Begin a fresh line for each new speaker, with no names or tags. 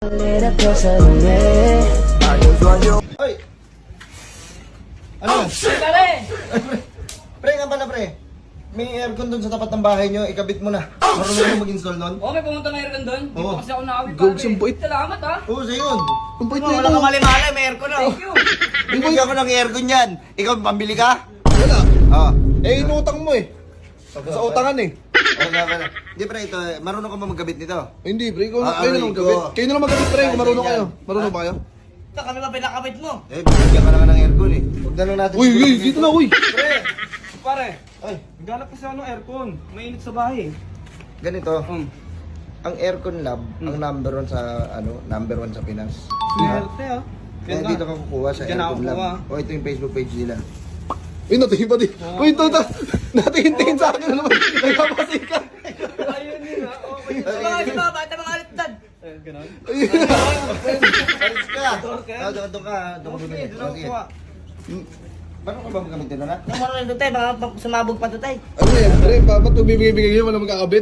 Hoy! Ano?
Pare!
Pre, nga pala pre. May aircon dun sa tapat ng bahay nyo, ikabit mo na. Marunong mo mag-install nun?
Oo, may pumunta na aircon doon. Hindi
Oo.
pa kasi ako nakawit pare.
Gogs ang bait.
Salamat ha.
Oo, sa'yo yun.
Ang bait
Wala
nito.
ka mali-mali, may aircon na.
Thank you.
Binigyan ko ng aircon yan. Ikaw, pambili ka?
Wala.
Oo.
Eh, inutang mo eh. Sa utangan eh.
Wala. Hindi pre, ito, marunong ka ba magkabit nito?
Hindi, pre. Kayo
Ah,
na lang
aray
magkabit.
ko.
Kayo na lang magkabit, pre. Kung marunong kayo.
Ganyan.
Marunong ba kayo?
Kami ba pinakabit mo?
Eh, binigyan ka na nga ng aircon eh. Huwag na lang natin.
Uy, uy, dito na, uy.
Pre, pare,
Ay,
naghanap kasi ako ng aircon. Mainit sa bahay.
ganito. Ang aircon lab, ang number 1 sa, number 1 sa Pinas.
Swerte ah.
Kaya dito ka kukuha sa
Diyan ako
aircon lab.
kukuha.
O, ito yung Facebook page nila.
Uy, natingin pa di. Uy, ito. Natingin sa akin na naman. Nagpapasika.
Ayun yun ah. Okay.
Mga si Baba, ito mga alit dad.
Ganon.
Paris ka! Doon ka, doon ka.
Okay, doon ako kuha.
Marunong ka ba magkabit nito na?
Nung marunong doon tayo, baka sumabog pa doon tayo.
Ano yan, pre? Ba't bibigay-bigay yun? Walang magkakabit?